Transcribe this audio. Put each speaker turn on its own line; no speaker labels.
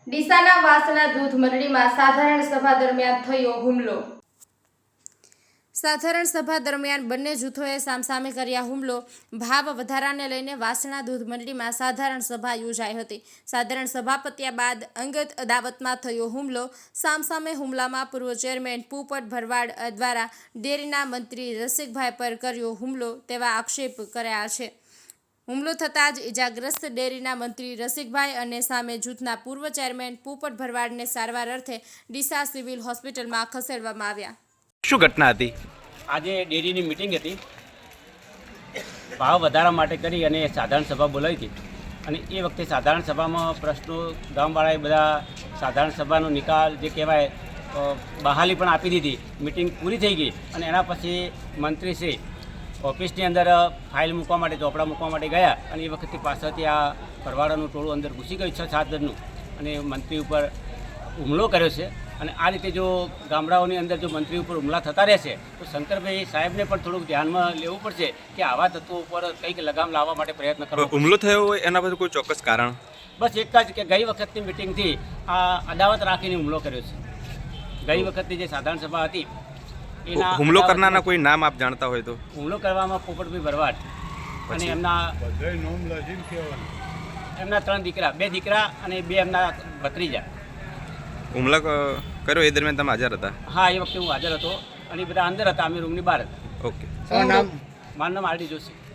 ડીસાના વાસણા દૂધ મંડળીમાં સાધારણ સભા દરમિયાન થયો હુમલો. સાધારણ સભા દરમિયાન બંને જૂથોએ સામસામે કર્યા હુમલો. ભાવ વધારાને લઈને વાસણા દૂધ મંડળીમાં સાધારણ સભા યોજાઈ હતી. સાધારણ સભા પત્યા બાદ અંગત અદાવતમાં થયો હુમલો. સામસામે હુમલામાં પૂર્વ ચેરમેન પોપટ ભરવાડ દ્વારા ડેરીના મંત્રી રસિકભાઈ પર કર્યો હુમલો તેવા આક્ષેપ કર્યા છે. હુમલો થતાં જ ઇજાગ્રસ્ત ડેરીના મંત્રી રસિકભાઈ અને સામે જૂથના પૂર્વ ચેરમેન પોપટ ભરવાડને સારવાર અર્થે ડીસા સિવિલ હોસ્પિટલમાં ખસેડવામાં આવ્યા.
શું ઘટના હતી?
આજે ડેરીની મિટિંગ હતી. ભાવ વધારા માટે કરી અને સાધારણ સભા બોલાવી હતી અને એ વખતે સાધારણ સભામાં પ્રશ્નો ગામવાળાએ બધા સાધારણ સભાનો નિકાલ જે કહેવાય બહાલી પણ આપી દીધી. મિટિંગ પૂરી થઈ ગઈ અને એના પછી મંત્રીશ્રી ઓફિસની અંદર ફાઇલ મૂકવા માટે ચોપડા મૂકવા માટે ગયા અને એ વખતે પાછળથી આ ભરવાડાનું ટોળું અંદર ઘૂસી ગયું 6-7 જણનું અને મંત્રી ઉપર હુમલો કર્યો છે. અને આ રીતે જો ગામડાઓની અંદર જો મંત્રી ઉપર હુમલા થતા રહેશે તો શંકરભાઈ સાહેબને પણ થોડુંક ધ્યાનમાં લેવું પડશે કે આવા તત્વો ઉપર કંઈક લગામ લાવવા માટે પ્રયત્ન કરવો.
હુમલો થયો હોય એના પર કોઈ ચોક્કસ કારણ?
બસ એક જ કે ગઈ વખતની મિટિંગથી આ અદાવત રાખીને હુમલો કર્યો છે. ગઈ વખતની જે સાધારણ સભા હતી એના
હુમલો કરનારના કોઈ નામ આપ જાણતા હોય તો?
હુમલો કરવામાં પોપટભાઈ ભરવાડ અને એમના 3 દીકરા, 2 દીકરા અને 2 એમના ભત્રીજા.
હુમલો કર્યો એ દરમિયાન તમે હાજર હતા?
હા, એ વખતે હું હાજર હતો અને એ બધા અંદર હતા, અમે રૂમની બહાર હતા.
ઓકે.
મારું નામ આરડી જોશી.